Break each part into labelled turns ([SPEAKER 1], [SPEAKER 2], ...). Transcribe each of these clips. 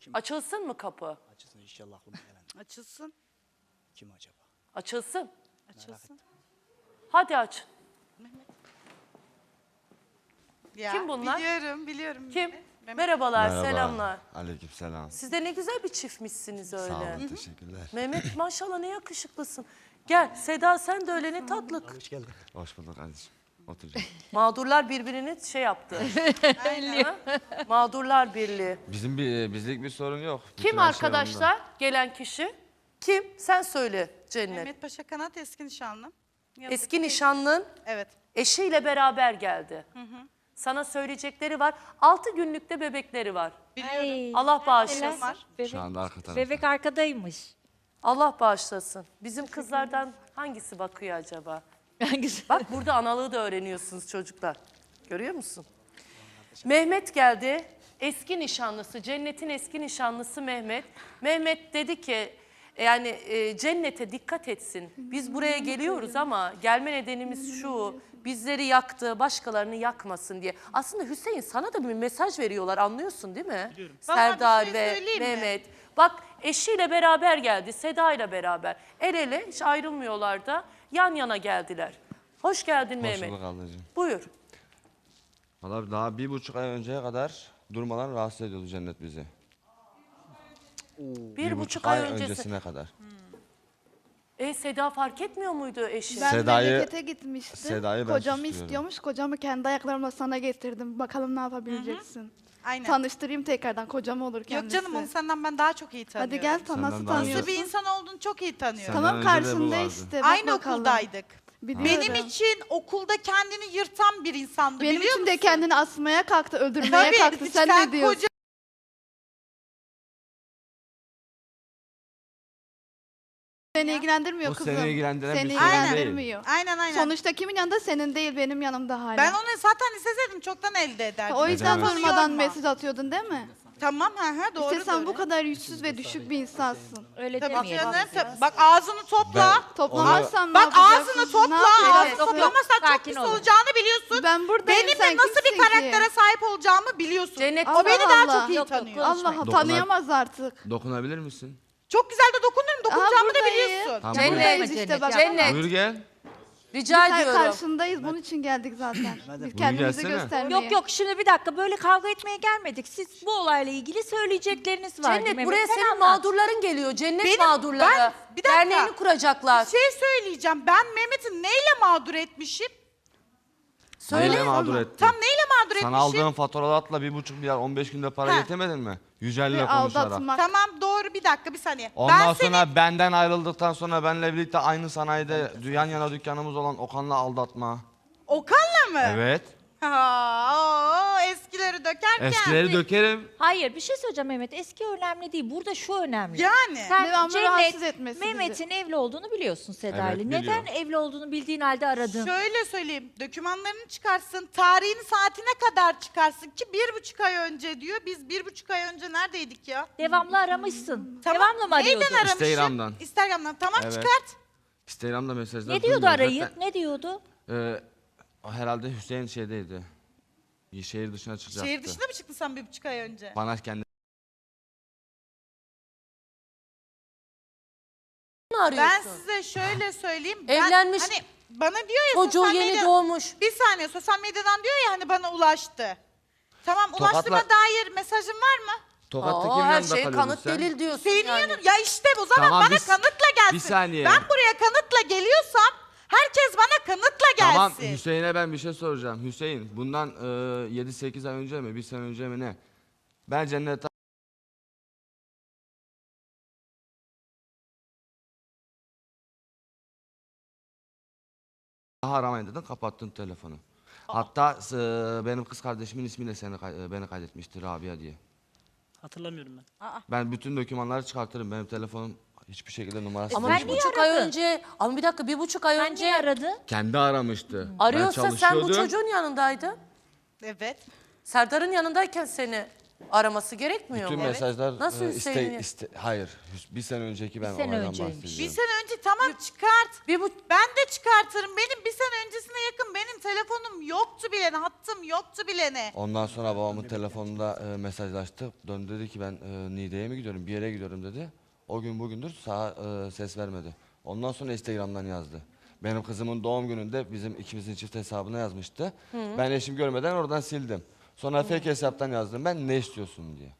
[SPEAKER 1] Açılsın mı kapı?
[SPEAKER 2] Açılsın inşallah aklıma gelen.
[SPEAKER 3] Açılsın.
[SPEAKER 2] Kim acaba?
[SPEAKER 1] Açılsın.
[SPEAKER 3] Açılsın.
[SPEAKER 1] Hadi aç.
[SPEAKER 3] Ya,
[SPEAKER 1] Kim bunlar?
[SPEAKER 3] Biliyorum.
[SPEAKER 1] Kim?
[SPEAKER 3] Mehmet.
[SPEAKER 1] Merhabalar,
[SPEAKER 4] Merhaba.
[SPEAKER 1] selamlar.
[SPEAKER 4] Aleykümselam.
[SPEAKER 1] Siz de ne güzel bir çiftmişsiniz öyle.
[SPEAKER 4] Sağ olun, teşekkürler.
[SPEAKER 1] Mehmet maşallah ne yakışıklısın. Gel Seda sen de öyle ne tatlı.
[SPEAKER 2] Hoş geldin.
[SPEAKER 4] Hoş bulduk kardeşim. Oturacağım.
[SPEAKER 1] Mağdurlar birbirini şey yaptı. Ha? Mağdurlar Birliği.
[SPEAKER 4] Bizlik bir sorun yok. Bütün
[SPEAKER 1] Kim
[SPEAKER 4] her şey
[SPEAKER 1] arkadaşlar gelen kişi? Kim? Sen söyle Cennet.
[SPEAKER 3] Mehmet Paşa Kanat eski nişanlım.
[SPEAKER 1] Eski nişanlın
[SPEAKER 3] Evet.
[SPEAKER 1] eşiyle beraber geldi. Sana söyleyecekleri var. 6 günlükte bebekleri var.
[SPEAKER 3] Biliyorum.
[SPEAKER 1] Allah bağışlasın.
[SPEAKER 3] Var.
[SPEAKER 4] yonda. Şu anda arka tarafta.
[SPEAKER 5] Bebek arkadaymış.
[SPEAKER 1] Allah bağışlasın. Bizim kızlardan hangisi bakıyor acaba?
[SPEAKER 5] Hangisi?
[SPEAKER 1] Bak burada analığı da öğreniyorsunuz çocuklar. Görüyor musun? Mehmet geldi. Eski nişanlısı, Cennet'in eski nişanlısı Mehmet. Mehmet dedi ki yani Cennet'e dikkat etsin. Biz buraya geliyoruz ama gelme nedenimiz şu. Bizleri yaktı, başkalarını yakmasın diye. Aslında Hüseyin sana da bir mesaj veriyorlar anlıyorsun değil mi?
[SPEAKER 2] Biliyorum.
[SPEAKER 1] Serdar
[SPEAKER 3] Bana bir şey
[SPEAKER 1] ve
[SPEAKER 3] söyleyeyim mi?
[SPEAKER 1] Mehmet. Bak eşiyle beraber geldi, Seda ile beraber. El ele hiç ayrılmıyorlar da yan yana geldiler. Hoş geldin
[SPEAKER 4] Hoş
[SPEAKER 1] Mehmet.
[SPEAKER 4] bulduk ablacığım.
[SPEAKER 1] Buyur.
[SPEAKER 4] Valla daha 1,5 ay önceye kadar durmadan rahatsız ediyordu Cennet bizi.
[SPEAKER 1] Bir buçuk
[SPEAKER 4] 1,5
[SPEAKER 1] ay
[SPEAKER 4] ay
[SPEAKER 1] öncesi.
[SPEAKER 4] öncesine kadar.
[SPEAKER 1] Seda fark etmiyor muydu eşi?
[SPEAKER 6] Ben
[SPEAKER 4] Seda'yı-
[SPEAKER 6] memlekete gitmiştim.
[SPEAKER 4] Seda'yı ben
[SPEAKER 6] Kocamı
[SPEAKER 4] susturuyorum.
[SPEAKER 6] istiyormuş. Kocamı kendi ayaklarımla sana getirdim. Bakalım ne yapabileceksin.
[SPEAKER 3] Aynen.
[SPEAKER 6] Tanıştırayım tekrardan. Kocam olur
[SPEAKER 3] Yok
[SPEAKER 6] kendisi.
[SPEAKER 3] canım onu senden ben daha çok iyi tanıyorum.
[SPEAKER 6] Hadi gel
[SPEAKER 4] Senden
[SPEAKER 6] nasıl
[SPEAKER 4] daha iyi.
[SPEAKER 3] Nasıl
[SPEAKER 6] tanıyorsun?
[SPEAKER 3] bir insan olduğunu çok iyi tanıyorum.
[SPEAKER 4] Senden
[SPEAKER 6] Tamam
[SPEAKER 4] önce de bu
[SPEAKER 6] karşında
[SPEAKER 4] vardı.
[SPEAKER 6] işte. Bak
[SPEAKER 3] Aynı
[SPEAKER 6] bakalım.
[SPEAKER 3] okuldaydık.
[SPEAKER 6] Biliyorum.
[SPEAKER 3] Benim için okulda kendini yırtan bir insandı
[SPEAKER 6] Benim
[SPEAKER 3] biliyor
[SPEAKER 6] için de
[SPEAKER 3] musun?
[SPEAKER 6] kendini asmaya kalktı, öldürmeye
[SPEAKER 3] Tabii,
[SPEAKER 6] kalktı. Sen ne diyorsun?
[SPEAKER 3] koca-
[SPEAKER 6] Seni ilgilendirmiyor
[SPEAKER 4] Bu
[SPEAKER 6] kızım.
[SPEAKER 4] seni ilgilendiren
[SPEAKER 6] Seni
[SPEAKER 4] bir sorun değil.
[SPEAKER 6] ilgilendirmiyor.
[SPEAKER 3] Aynen.
[SPEAKER 6] Sonuçta kimin yanında? Senin değil, benim yanımda hala.
[SPEAKER 3] Ben onu zaten isteseydim çoktan elde ederdim.
[SPEAKER 6] O yüzden
[SPEAKER 4] Edemez.
[SPEAKER 6] durmadan
[SPEAKER 3] Yorma.
[SPEAKER 6] mesaj atıyordun değil mi?
[SPEAKER 3] Tamam doğru.
[SPEAKER 6] İşte sen bu kadar yüzsüz ve düşük bir insansın.
[SPEAKER 5] Öyle
[SPEAKER 3] Tabii
[SPEAKER 5] demeyelim.
[SPEAKER 3] canım. Bak ağzını topla.
[SPEAKER 6] Toplamazsan ne
[SPEAKER 3] Bak
[SPEAKER 6] yapacaksın?
[SPEAKER 3] ağzını topla.
[SPEAKER 6] Ne yapacaksın?
[SPEAKER 3] Ağzını toplamazsan çok
[SPEAKER 5] Sakin
[SPEAKER 3] pis
[SPEAKER 5] olun.
[SPEAKER 3] olacağını biliyorsun.
[SPEAKER 6] Ben buradayım,
[SPEAKER 3] Benimle
[SPEAKER 6] sen
[SPEAKER 3] nasıl bir
[SPEAKER 6] kimsin ki?
[SPEAKER 3] karaktere sahip olacağımı biliyorsun.
[SPEAKER 1] Cennet-
[SPEAKER 3] O beni
[SPEAKER 6] Allah
[SPEAKER 3] daha
[SPEAKER 6] Allah.
[SPEAKER 3] çok iyi
[SPEAKER 5] Yok, yok,
[SPEAKER 3] tanıyor.
[SPEAKER 5] konuşma.
[SPEAKER 6] Allah
[SPEAKER 4] Dokunar-
[SPEAKER 6] tanıyamaz artık.
[SPEAKER 4] Dokunabilir misin?
[SPEAKER 3] Çok güzel de dokunurum. Dokunacağımı da
[SPEAKER 6] buradayım.
[SPEAKER 3] biliyorsun.
[SPEAKER 4] Tamam.
[SPEAKER 1] Cennet,
[SPEAKER 6] Buradayız işte
[SPEAKER 5] Cennet,
[SPEAKER 6] bak.
[SPEAKER 1] Cennet.
[SPEAKER 4] Buyur gel.
[SPEAKER 1] Rica
[SPEAKER 6] Biz
[SPEAKER 1] ediyorum.
[SPEAKER 6] karşındayız. Bunun için geldik zaten. Biz kendimizi
[SPEAKER 4] gelsene.
[SPEAKER 6] göstermeye.
[SPEAKER 5] Yok şimdi bir dakika böyle kavga etmeye gelmedik. Siz bu olayla ilgili söyleyecekleriniz var.
[SPEAKER 1] Cennet
[SPEAKER 5] Mehmet,
[SPEAKER 1] buraya
[SPEAKER 5] sen
[SPEAKER 1] senin
[SPEAKER 5] anlat.
[SPEAKER 1] mağdurların geliyor. Cennet
[SPEAKER 3] Benim-
[SPEAKER 1] mağdurları.
[SPEAKER 3] bir dakika.
[SPEAKER 1] Derneğini kuracaklar.
[SPEAKER 3] Bir şey söyleyeceğim. Ben Mehmet'i neyle mağdur etmişim?
[SPEAKER 4] Neyle mağdur ettin?
[SPEAKER 3] Tam neyle mağdur
[SPEAKER 4] Sana
[SPEAKER 3] etmişim?
[SPEAKER 4] aldığın faturalarla 1,5 milyar 15 günde para
[SPEAKER 3] Ha.
[SPEAKER 4] getirmedin mi? Yücel'le
[SPEAKER 6] Ve
[SPEAKER 4] konuşarak.
[SPEAKER 6] aldatmak.
[SPEAKER 3] Tamam doğru bir dakika bir saniye.
[SPEAKER 4] Ondan
[SPEAKER 3] ben
[SPEAKER 4] sonra benden ayrıldıktan sonra benle birlikte aynı sanayide yan yana dükkanımız olan Okan'la aldatma.
[SPEAKER 3] Okan'la mı?
[SPEAKER 4] Evet.
[SPEAKER 3] Eskileri dökerken.
[SPEAKER 4] Eskileri dökerim.
[SPEAKER 5] Hayır bir şey söyleyeceğim Mehmet. Eski önemli değil. Burada şu önemli.
[SPEAKER 3] Yani.
[SPEAKER 5] Sen
[SPEAKER 6] Devamlı rahatsız etmesi bizi.
[SPEAKER 5] Mehmet'in evli olduğunu biliyorsun Seda
[SPEAKER 4] Evet,
[SPEAKER 5] ile.
[SPEAKER 4] biliyorum.
[SPEAKER 5] Neden evli olduğunu bildiğin halde aradın?
[SPEAKER 3] Şöyle söyleyeyim. Dokümanlarını çıkarsın. Tarihini saatine kadar çıkarsın ki 1,5 ay önce diyor. Biz 1,5 ay önce neredeydik ya?
[SPEAKER 5] Devamlı aramışsın.
[SPEAKER 3] Tamam.
[SPEAKER 5] Devamlı mı arıyordun?
[SPEAKER 3] Neyden aramışım?
[SPEAKER 4] Instagram'dan.
[SPEAKER 3] Instagram'dan. Tamam
[SPEAKER 4] Evet.
[SPEAKER 3] çıkart.
[SPEAKER 4] Instagram'da mesajlar
[SPEAKER 5] Ne diyordu
[SPEAKER 4] duymuyorum
[SPEAKER 5] arayıp?
[SPEAKER 4] zaten.
[SPEAKER 5] Ne diyordu?
[SPEAKER 4] Herhalde Hüseyin şeydeydi. Şehir dışına çıkacaktı.
[SPEAKER 3] Şehir dışına mı çıktın sen 1,5 ay önce?
[SPEAKER 4] Bana kendi
[SPEAKER 1] Ne arıyorsun?
[SPEAKER 3] Ben size şöyle söyleyeyim.
[SPEAKER 1] Evlenmiş.
[SPEAKER 3] Hani bana diyor ya
[SPEAKER 1] Çocuğu
[SPEAKER 3] sosyal
[SPEAKER 1] yeni
[SPEAKER 3] medya-
[SPEAKER 1] doğmuş.
[SPEAKER 3] Bir saniye sosyal medyadan diyor ya hani bana ulaştı. Tamam
[SPEAKER 4] Tokatla-
[SPEAKER 3] ulaştığıma dair mesajın var mı?
[SPEAKER 4] Tokat'ta
[SPEAKER 1] Aa,
[SPEAKER 4] kimin
[SPEAKER 1] her
[SPEAKER 4] yanında
[SPEAKER 1] şey
[SPEAKER 4] kalıyordun
[SPEAKER 1] kanıt
[SPEAKER 4] sen?
[SPEAKER 1] delil diyorsun
[SPEAKER 3] Senin
[SPEAKER 1] yani.
[SPEAKER 3] yanın ya işte o zaman
[SPEAKER 4] Tamam,
[SPEAKER 3] bana kanıtla gelsin.
[SPEAKER 4] bir saniye.
[SPEAKER 3] Ben buraya kanıtla geliyorsam herkes bana kanıtla gelsin.
[SPEAKER 4] Tamam Hüseyin'e ben bir şey soracağım. Hüseyin bundan 7-8 ay önce mi 1 sene önce mi ne? Ben Cennet'e daha aramayın dedin kapattın telefonu. Hatta benim kız kardeşimin ismiyle beni kaydetmişti Rabia diye.
[SPEAKER 2] Hatırlamıyorum ben.
[SPEAKER 4] Ben bütün dokümanları çıkartırım. Benim telefonum hiçbir şekilde numarası
[SPEAKER 1] Ama
[SPEAKER 5] sen
[SPEAKER 4] değişmedi.
[SPEAKER 1] 1,5 ay
[SPEAKER 5] aradın?
[SPEAKER 1] önce, ama bir dakika 1,5 ay
[SPEAKER 5] Sen
[SPEAKER 1] önce
[SPEAKER 5] niye aradın?
[SPEAKER 4] Kendi aramıştı.
[SPEAKER 1] arıyorsa
[SPEAKER 4] Ben
[SPEAKER 1] sen bu
[SPEAKER 4] çalışıyordum.
[SPEAKER 1] çocuğun yanındaydın.
[SPEAKER 3] Evet.
[SPEAKER 1] Serdar'ın yanındayken seni Araması gerekmiyor
[SPEAKER 4] Bütün
[SPEAKER 1] mu?
[SPEAKER 4] mesajlar
[SPEAKER 1] Nasıl Hüseyin'i?
[SPEAKER 4] hayır. Bir sene önceki ben
[SPEAKER 5] Bir sene
[SPEAKER 4] olaydan
[SPEAKER 5] önceymiş.
[SPEAKER 4] bahsediyorum.
[SPEAKER 3] Bir sene önce tamam çıkart.
[SPEAKER 1] Bir bu
[SPEAKER 3] Ben de çıkartırım. Benim bir sene öncesine yakın benim telefonum yoktu bile ne, hattım yoktu bile ne.
[SPEAKER 4] Ondan sonra babamın telefonunda mesajlaştık. Döndü dedi ki ben Niğde'ye mi gidiyorum, bir yere gidiyorum dedi. O gün bugündür sağa ses vermedi. Ondan sonra Instagram'dan yazdı. Benim kızımın doğum gününde bizim ikimizin çift hesabına yazmıştı. Ben eşim görmeden oradan sildim. Sonra fake hesaptan yazdım ben ne istiyorsun diye.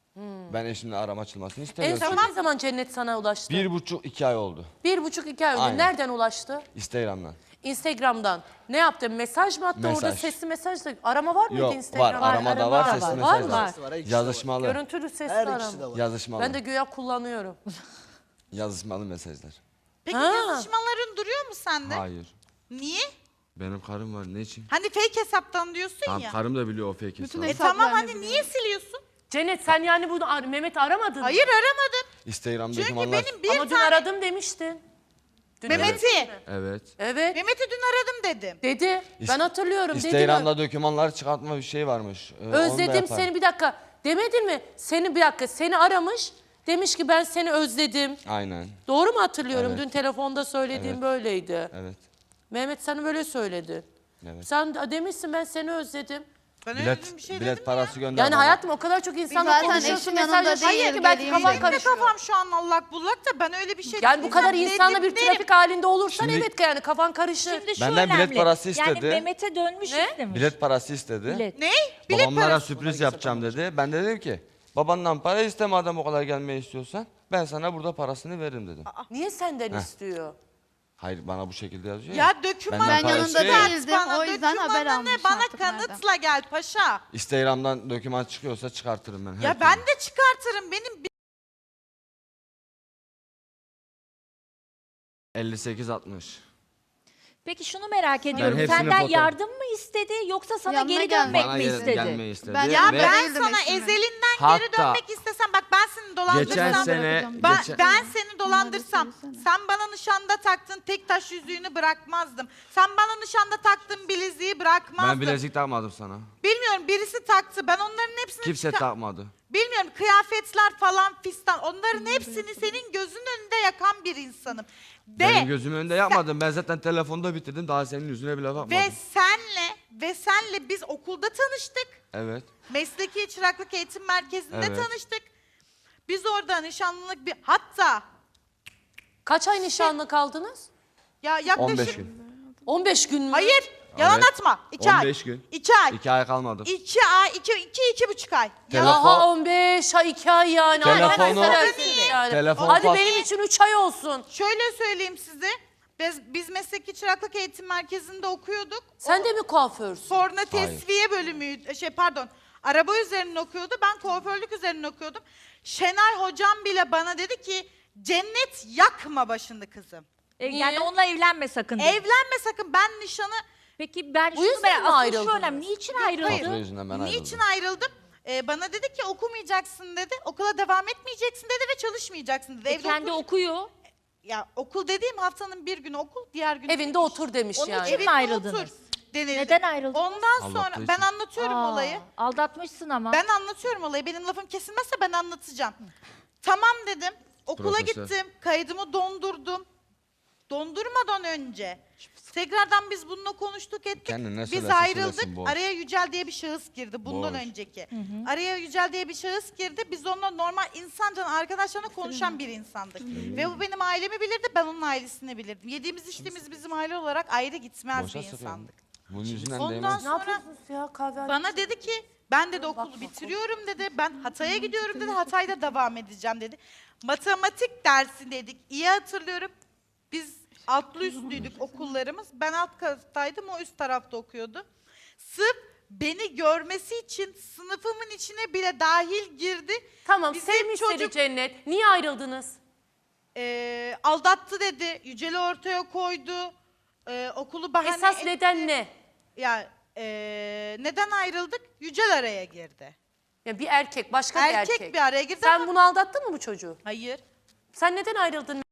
[SPEAKER 4] Ben eşimle arama açılmasını
[SPEAKER 1] en
[SPEAKER 4] istemiyorum.
[SPEAKER 1] son ne zaman Cennet sana ulaştı?
[SPEAKER 4] 1,5-2 ay oldu
[SPEAKER 1] 1,5-2 ay önce.
[SPEAKER 4] Aynen.
[SPEAKER 1] Nereden ulaştı?
[SPEAKER 4] Instagram'dan.
[SPEAKER 1] Instagram'dan. Ne yaptı? Mesaj mı attı?
[SPEAKER 4] Mesaj.
[SPEAKER 1] Orada sesli mesaj da. Arama var mıydı
[SPEAKER 4] Yok
[SPEAKER 1] Instagram'da?
[SPEAKER 4] var aramada var,
[SPEAKER 5] arama
[SPEAKER 4] sesli
[SPEAKER 1] var.
[SPEAKER 4] mesaj
[SPEAKER 1] Var
[SPEAKER 4] var.
[SPEAKER 1] mı?
[SPEAKER 2] Var, ikisi de var.
[SPEAKER 4] Yazışmalı.
[SPEAKER 1] Görüntülü sesli
[SPEAKER 2] Her
[SPEAKER 1] arama.
[SPEAKER 2] ikisi de var.
[SPEAKER 4] Yazışmalı.
[SPEAKER 1] Ben de güya kullanıyorum.
[SPEAKER 4] Yazışmalı mesajlar.
[SPEAKER 3] Peki
[SPEAKER 1] Ha.
[SPEAKER 3] yazışmaların duruyor mu sende?
[SPEAKER 4] Hayır.
[SPEAKER 3] Niye?
[SPEAKER 4] Benim karım var ne için?
[SPEAKER 3] Hani fake hesaptan diyorsun
[SPEAKER 4] Tamam
[SPEAKER 3] ya.
[SPEAKER 4] karım da biliyor o fake
[SPEAKER 6] Bütün
[SPEAKER 4] hesabı.
[SPEAKER 6] hesaplarını
[SPEAKER 3] Tamam hani
[SPEAKER 6] biliyorum.
[SPEAKER 3] niye siliyorsun?
[SPEAKER 1] Cennet sen yani bunu Mehmet aramadın mı?
[SPEAKER 3] Hayır aramadım.
[SPEAKER 4] Instagram
[SPEAKER 3] Çünkü
[SPEAKER 4] dokümanlar.
[SPEAKER 3] benim bir
[SPEAKER 1] Ama dün
[SPEAKER 3] tane
[SPEAKER 1] aradım demiştin. Dün
[SPEAKER 3] Mehmet'i.
[SPEAKER 4] Evet.
[SPEAKER 1] Evet.
[SPEAKER 3] Mehmet'i dün aradım dedim.
[SPEAKER 1] Dedi. Ben hatırlıyorum. Dedi mi?
[SPEAKER 4] Instagram'da dokümanlar çıkartma bir şey varmış. Onu da
[SPEAKER 1] Özledim
[SPEAKER 4] yaparım.
[SPEAKER 1] seni bir dakika. Demedin mi? Seni bir dakika. Seni aramış. Demiş ki ben seni özledim.
[SPEAKER 4] Aynen.
[SPEAKER 1] Doğru mu hatırlıyorum?
[SPEAKER 4] Evet.
[SPEAKER 1] Dün telefonda söylediğim
[SPEAKER 4] Evet.
[SPEAKER 1] böyleydi.
[SPEAKER 4] Evet.
[SPEAKER 1] Mehmet sana böyle söyledi.
[SPEAKER 4] Evet.
[SPEAKER 1] Sen demişsin ben seni özledim.
[SPEAKER 3] Ben öyle
[SPEAKER 4] Bilet,
[SPEAKER 3] bir şey
[SPEAKER 4] bilet
[SPEAKER 3] dedim
[SPEAKER 4] parası gönder.
[SPEAKER 1] Yani
[SPEAKER 4] bana.
[SPEAKER 1] hayatım o kadar çok insanla
[SPEAKER 6] Zaten
[SPEAKER 1] konuşuyorsun,
[SPEAKER 6] eşim yanında
[SPEAKER 1] mesajlaşıyorsun
[SPEAKER 6] değil,
[SPEAKER 1] ki belki
[SPEAKER 6] geleyim
[SPEAKER 1] kafan
[SPEAKER 6] dedim.
[SPEAKER 3] Benim de
[SPEAKER 1] karışıyor.
[SPEAKER 3] kafam şu an allak bullak da ben öyle bir şey
[SPEAKER 1] Yani bu kadar
[SPEAKER 3] dediysem
[SPEAKER 1] insanla bir
[SPEAKER 3] dedim,
[SPEAKER 1] trafik halinde olursan
[SPEAKER 4] Şimdi-
[SPEAKER 1] evet yani kafan karışır.
[SPEAKER 5] Şimdi şu
[SPEAKER 4] Benden bilet
[SPEAKER 5] önemli.
[SPEAKER 4] parası
[SPEAKER 5] Yani
[SPEAKER 4] istedi.
[SPEAKER 5] Mehmet'e dönmüş
[SPEAKER 1] Ne?
[SPEAKER 5] istemiş.
[SPEAKER 4] Bilet parası istedi.
[SPEAKER 5] Bilet.
[SPEAKER 3] Ne? Bilet
[SPEAKER 4] Babamlara
[SPEAKER 3] parası.
[SPEAKER 4] sürpriz yapacağım dedi. Ben de dedim ki babandan para isteme adam o kadar gelmeyi istiyorsan. Ben sana burada parasını veririm dedim.
[SPEAKER 1] Niye senden istiyor?
[SPEAKER 4] Hayır bana bu şekilde yazıyor
[SPEAKER 3] Ya döküman
[SPEAKER 4] Benden
[SPEAKER 6] Ben
[SPEAKER 4] para
[SPEAKER 6] yanında
[SPEAKER 4] istiyor ya.
[SPEAKER 6] değildim, o yüzden haber almış
[SPEAKER 3] Bana
[SPEAKER 6] artık nereden.
[SPEAKER 3] kanıtla gel paşa.
[SPEAKER 4] Instagram'dan doküman çıkıyorsa çıkartırım ben. her
[SPEAKER 3] Ya
[SPEAKER 4] türlü.
[SPEAKER 3] ben de çıkartırım. Benim
[SPEAKER 4] 58-60.
[SPEAKER 5] Peki şunu merak ediyorum.
[SPEAKER 4] hepsini
[SPEAKER 5] Senden
[SPEAKER 4] foto-
[SPEAKER 5] yardım mı istedi yoksa sana
[SPEAKER 6] Yanına
[SPEAKER 5] geri
[SPEAKER 6] gelmek
[SPEAKER 5] dönmek
[SPEAKER 4] Bana
[SPEAKER 5] mi istedi?
[SPEAKER 4] gelmeyi istedi.
[SPEAKER 6] Ben-
[SPEAKER 3] ya
[SPEAKER 6] Ve-
[SPEAKER 3] ben
[SPEAKER 6] Değildim
[SPEAKER 3] sana
[SPEAKER 6] eşimin.
[SPEAKER 3] ezelinden geri
[SPEAKER 4] Hatta-
[SPEAKER 3] dönmek istesem bak ben seni
[SPEAKER 4] Geçen
[SPEAKER 3] dolandırsam.
[SPEAKER 4] sene...
[SPEAKER 3] Ben,
[SPEAKER 4] geçen-
[SPEAKER 3] ben seni dolandırsam,
[SPEAKER 6] söylesene.
[SPEAKER 3] sen bana nişanda taktığın tek taş yüzüğünü bırakmazdım. Sen bana nişanda taktığın bileziği bırakmazdım.
[SPEAKER 4] Ben bilezik takmadım sana.
[SPEAKER 3] Bilmiyorum birisi taktı. Ben onların hepsini
[SPEAKER 4] Kimse takmadı.
[SPEAKER 3] bilmiyorum kıyafetler falan fistan. Onların hepsini senin gözünün önünde yakan bir insanım.
[SPEAKER 4] Benim gözümün önünde yapmadım. Ben zaten telefonda bitirdim. Daha senin yüzüne bile bakmadım.
[SPEAKER 3] ve senle biz okulda tanıştık.
[SPEAKER 4] Evet.
[SPEAKER 3] Mesleki Çıraklık Eğitim Merkezi'nde
[SPEAKER 4] Evet.
[SPEAKER 3] tanıştık. Biz orada nişanlılık bir hatta
[SPEAKER 1] Kaç ay nişanlı kaldınız?
[SPEAKER 3] ya yaklaşık
[SPEAKER 4] 15 gün.
[SPEAKER 1] 15 gün mü?
[SPEAKER 3] Hayır, yalan
[SPEAKER 4] Evet.
[SPEAKER 3] atma. 2 ay.
[SPEAKER 4] 15 gün.
[SPEAKER 3] 2 ay.
[SPEAKER 4] 2 ay kalmadı.
[SPEAKER 3] 2 ay, 2,5 ay.
[SPEAKER 4] Telefon-
[SPEAKER 1] Daha 15 ay 2 ay yani.
[SPEAKER 4] Telefonu-
[SPEAKER 1] Allah'ını seversiniz yani.
[SPEAKER 4] Telefon
[SPEAKER 1] Hadi
[SPEAKER 4] pas-
[SPEAKER 1] benim için 3 ay olsun.
[SPEAKER 3] Şöyle söyleyeyim size. Biz Mesleki Çıraklık Eğitim Merkezi'nde okuyorduk.
[SPEAKER 1] Sen de mi kuaförsün?
[SPEAKER 3] Korna tesviye bölümüydü. Araba üzerine okuyordu. Ben kuaförlük üzerine okuyordum. Şenay hocam bile bana dedi ki Cennet yakma başını kızım.
[SPEAKER 1] Niye?
[SPEAKER 5] Yani onunla evlenme sakın. dedi.
[SPEAKER 3] Evlenme sakın ben nişanı
[SPEAKER 5] Peki ben
[SPEAKER 1] Bu
[SPEAKER 5] şunu
[SPEAKER 1] yüzden
[SPEAKER 5] merak
[SPEAKER 1] mi
[SPEAKER 5] asıl şu
[SPEAKER 1] ayrıldınız?
[SPEAKER 5] önemli. Niçin
[SPEAKER 3] Hayır.
[SPEAKER 5] ayrıldı?
[SPEAKER 4] Patron yüzünden ben ayrıldım.
[SPEAKER 3] niçin ayrıldım? Bana dedi ki okumayacaksın dedi. Okula devam etmeyeceksin dedi ve çalışmayacaksın dedi. Evde
[SPEAKER 5] Kendi okuyor.
[SPEAKER 3] ya okul dediğim haftanın bir günü okul, diğer gün
[SPEAKER 1] Evinde otur demiş
[SPEAKER 5] Onun
[SPEAKER 1] yani.
[SPEAKER 5] için mi ayrıldınız?
[SPEAKER 3] otur denildi.
[SPEAKER 5] Neden ayrıldınız?
[SPEAKER 3] Ondan
[SPEAKER 4] Aldattığı
[SPEAKER 3] sonra
[SPEAKER 4] için.
[SPEAKER 3] ben anlatıyorum
[SPEAKER 5] Aa,
[SPEAKER 3] olayı.
[SPEAKER 5] Aldatmışsın ama.
[SPEAKER 3] Ben anlatıyorum olayı. Benim lafım kesilmezse ben anlatacağım. Tamam dedim. Okula
[SPEAKER 4] Profesör.
[SPEAKER 3] gittim. Kaydımı dondurdum. Dondurmadan önce tekrardan biz bununla konuştuk ettik.
[SPEAKER 4] Kendine ne
[SPEAKER 3] Biz
[SPEAKER 4] söylerse
[SPEAKER 3] ayrıldık.
[SPEAKER 4] söylesin, boş.
[SPEAKER 3] Araya Yücel diye bir şahıs girdi bundan
[SPEAKER 4] Boş.
[SPEAKER 3] önceki. Araya Yücel diye bir şahıs girdi. Biz onunla normal insanca arkadaşlarla konuşan bir insandık. Ve bu benim ailemi bilirdi, ben onun ailesini bilirdim. Yediğimiz içtiğimiz bizim aile olarak ayrı gitmez
[SPEAKER 4] Boşa
[SPEAKER 3] bir
[SPEAKER 4] sıkıyorum.
[SPEAKER 3] insandık.
[SPEAKER 4] Bunun yüzünden
[SPEAKER 3] Ondan
[SPEAKER 4] değmez.
[SPEAKER 1] Ne
[SPEAKER 3] sonra
[SPEAKER 1] yapıyorsunuz ya kahve?
[SPEAKER 3] bana dedi ki ben dedi okulu bitiriyorum dedi. Ben Hatay'a gidiyorum dedi. Hatay'da devam edeceğim dedi. Matematik dersi dedik. İyi hatırlıyorum. Biz altlı üstlüydük okullarımız. Ben alt kattaydım, o üst tarafta okuyordu. Sırf beni görmesi için sınıfımın içine bile dahil girdi.
[SPEAKER 1] Tamam
[SPEAKER 3] Bizim
[SPEAKER 1] sevmiş seni
[SPEAKER 3] çocuk-
[SPEAKER 1] Cennet. Niye ayrıldınız?
[SPEAKER 3] Aldattı dedi. Yücel'i ortaya koydu. Okulu bahane
[SPEAKER 1] Esas
[SPEAKER 3] etti.
[SPEAKER 1] neden ne?
[SPEAKER 3] Ya neden ayrıldık? Yücel araya girdi.
[SPEAKER 1] Ya bir erkek, başka bir
[SPEAKER 3] Erkek
[SPEAKER 1] erkek.
[SPEAKER 3] bir araya girdi
[SPEAKER 1] Sen
[SPEAKER 3] ama-
[SPEAKER 1] bunu aldattın mı bu çocuğu?
[SPEAKER 3] Hayır.
[SPEAKER 1] Sen neden ayrıldın?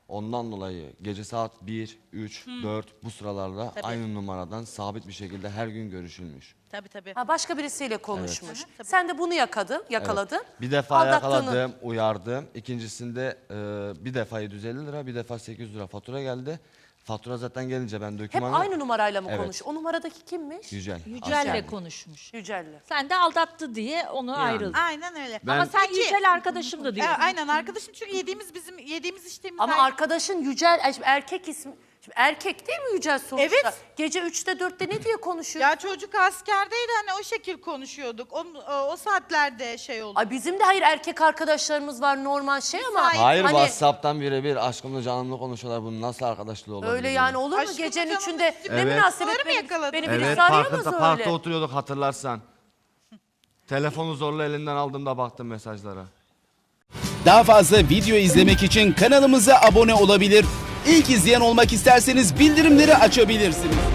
[SPEAKER 4] Ondan dolayı gece saat 1, 3, 4 bu sıralarda
[SPEAKER 3] Tabii.
[SPEAKER 4] aynı numaradan sabit bir şekilde her gün görüşülmüş.
[SPEAKER 3] Tabii tabii.
[SPEAKER 1] Ha, başka birisiyle konuşmuş.
[SPEAKER 3] Evet. Tabii.
[SPEAKER 1] Sen de bunu yakaladın.
[SPEAKER 4] Bir defa
[SPEAKER 1] Aldattığını-
[SPEAKER 4] yakaladım, uyardım. İkincisinde bir defa 750 lira, bir defa 800 lira fatura geldi. Fatura zaten gelince ben
[SPEAKER 1] Hep
[SPEAKER 4] dokümanı...
[SPEAKER 1] aynı numarayla mı
[SPEAKER 4] Evet.
[SPEAKER 1] konuş? O numaradaki kimmiş?
[SPEAKER 4] Yücel.
[SPEAKER 5] Yücel'le
[SPEAKER 4] Aslen.
[SPEAKER 5] konuşmuş.
[SPEAKER 1] Yücel'le.
[SPEAKER 5] Sen de aldattı diye onu ayrıldı.
[SPEAKER 3] Aynen öyle.
[SPEAKER 4] Ben-
[SPEAKER 5] Ama sen
[SPEAKER 3] Peki-
[SPEAKER 5] Yücel arkadaşım da diyorsun.
[SPEAKER 3] Aynen arkadaşım çünkü bizim yediğimiz içtiğimiz
[SPEAKER 1] Ama
[SPEAKER 3] aynı.
[SPEAKER 1] arkadaşın Yücel, şimdi erkek ismi... Şimdi erkek değil mi Yücel sonuçta?
[SPEAKER 3] Evet.
[SPEAKER 1] Gece 3'te 4'te ne diye konuşuyor?
[SPEAKER 3] Ya çocuk askerdeydi hani o şekil konuşuyorduk. O saatlerde şey oldu.
[SPEAKER 1] Ay bizim de hayır erkek arkadaşlarımız var normal şey ama...
[SPEAKER 4] Hayır,
[SPEAKER 1] hani
[SPEAKER 4] WhatsApp'tan birebir aşkımla canımla konuşuyorlar. Bunun nasıl arkadaşlığı olabilir?
[SPEAKER 1] öyle yani olur mu
[SPEAKER 3] Aşkım
[SPEAKER 1] gecenin
[SPEAKER 3] canım,
[SPEAKER 1] 3'ünde? Ne
[SPEAKER 3] evet.
[SPEAKER 1] münasebet
[SPEAKER 3] Bunları mı
[SPEAKER 1] beni
[SPEAKER 3] yakaladın?
[SPEAKER 1] birisi
[SPEAKER 4] Evet,
[SPEAKER 1] arayamaz
[SPEAKER 4] parkta
[SPEAKER 1] öyle.
[SPEAKER 4] oturuyorduk hatırlarsan. Telefonu zorla elinden aldığımda baktım mesajlara.
[SPEAKER 7] Daha fazla video izlemek için kanalımıza abone olabilir. İlk izleyen olmak isterseniz bildirimleri açabilirsiniz.